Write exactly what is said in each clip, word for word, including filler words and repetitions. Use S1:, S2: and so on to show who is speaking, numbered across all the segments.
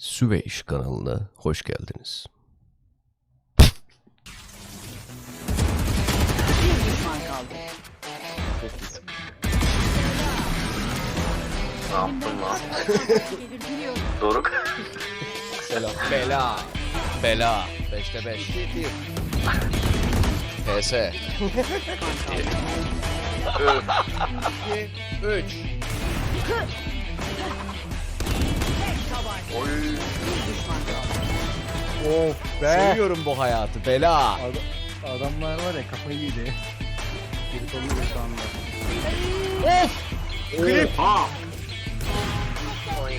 S1: Süveyş kanalına hoş geldiniz.
S2: Bir düşman kaldı.
S3: Ne yaptın lan? Doruk.
S1: Selam. Bela. Bela. Beşte beş. P S. Üç.
S3: Oy.
S4: Of be.
S1: Seviyorum bu hayatı. Bela.
S4: Ad- adamlar var ya kafayı yedi. Geri oluyor şu anda.
S1: Klip.
S3: Ha. Oy.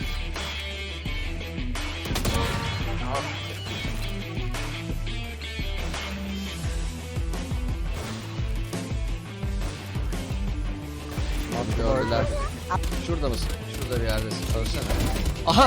S1: Abi gördüler. Şurada mısın? Şurada bir yerdesin. Söylesene. Aha.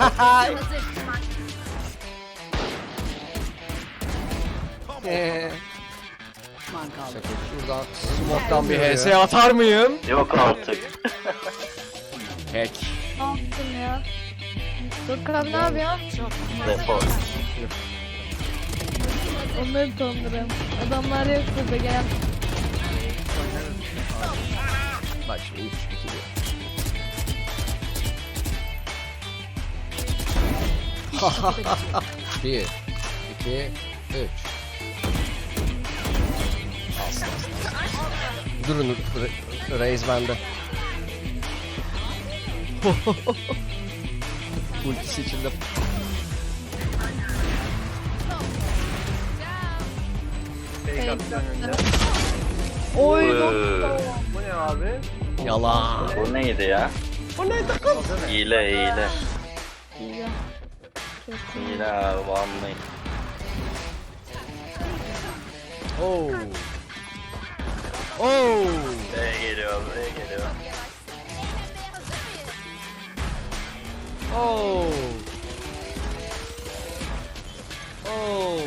S1: Eee.
S2: Düşman kaldı.
S1: Şaka. Şuradan smoke'tan bir H S atar mıyım?
S3: Yok artık.
S1: Hack.
S5: Ne yaptın ya? Dur abi ne yapıyorsun?
S3: Defol.
S5: Onları tanırım. Adamlar yok burada gel.
S1: Bak şimdi üç iki bir. bir iki üç. As as as. Durun Re- Reis bende. Ultisi içinde.
S5: Oy
S3: Ee,
S5: nokta.
S4: Bu ne abi?
S1: Yalan.
S3: Bu neydi ya?
S1: O neydi kız?
S3: Hile hile.
S5: Ya. Çok iyi.
S3: Hile abi vallahi.
S1: Oh. Oh.
S3: Buraya geliyor buraya geliyor.
S1: Oh. Oh.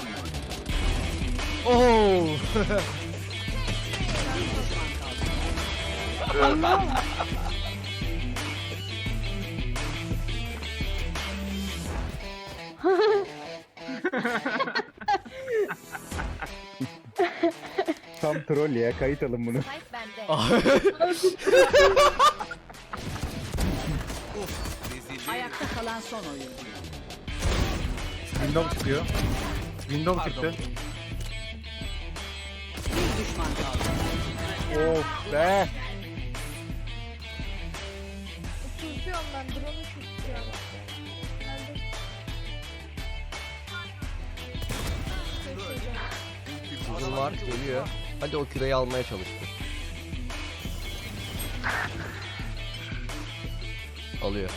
S1: Oh.
S4: Tam troll ya, kayıt alın bunu.
S2: Ayakta kalan son oyuncu.
S4: Windows çıkıyor. Windows çıktı.
S2: Bir düşman kaldı.
S4: Of be.
S5: Tutuyorum ben drone'u tutuyorum. Nerede?
S1: Uzun var geliyor. Hadi o küreyi almaya çalıştı. Alıyor.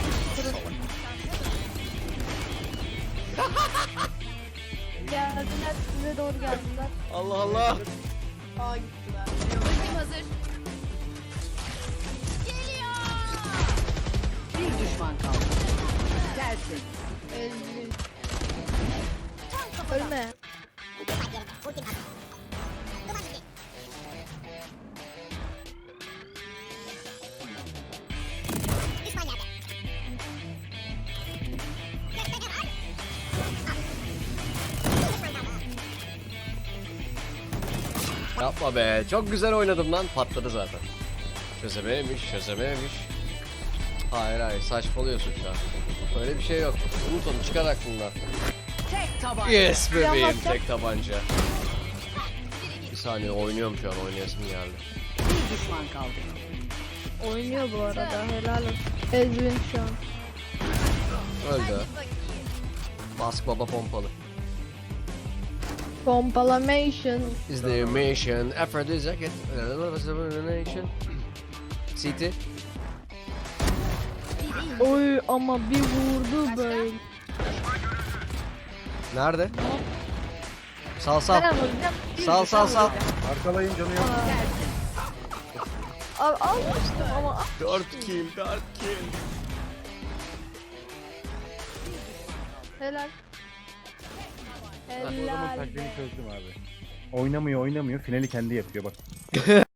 S5: Geldiler size doğru geldiler.
S1: Allah Allah.
S5: Aa gittiler.
S2: Bir düşman kaldı. Gelsin.
S5: Ezgin. Ölme.
S1: Yapma be. Çok güzel oynadım lan. Patladı zaten. Çözememiş, çözememiş. Hayır hayır saçmalıyorsun şu an. Öyle bir şey yok. Unut onu çıkar aklından.
S2: Tek tabanca.
S1: Yes bebeğim
S5: Yanmazsa-
S1: tek tabanca. Bir saniye oynuyorum şu an oynayasım geldi.
S2: Bir düşman kaldı.
S5: Oynuyor bu arada helal olsun. Ezgin şu an.
S1: Öldü. Bask baba pompalı.
S5: Pompalamation.
S1: Is the mission aphrodisiac nation? City.
S5: Oy ama bir vurdu böyle.
S1: Nerede? Sal sal.
S5: Ben alacağım.
S1: Sal sal sal.
S4: Arkalayın canı yok.
S5: Al almıştım ama al.
S1: dört kill, dört kill.
S5: Helal.
S4: Bu adamın
S5: Helal.
S4: taktiğini çözdüm abi. Oynamıyor oynamıyor, finali kendi yapıyor bak.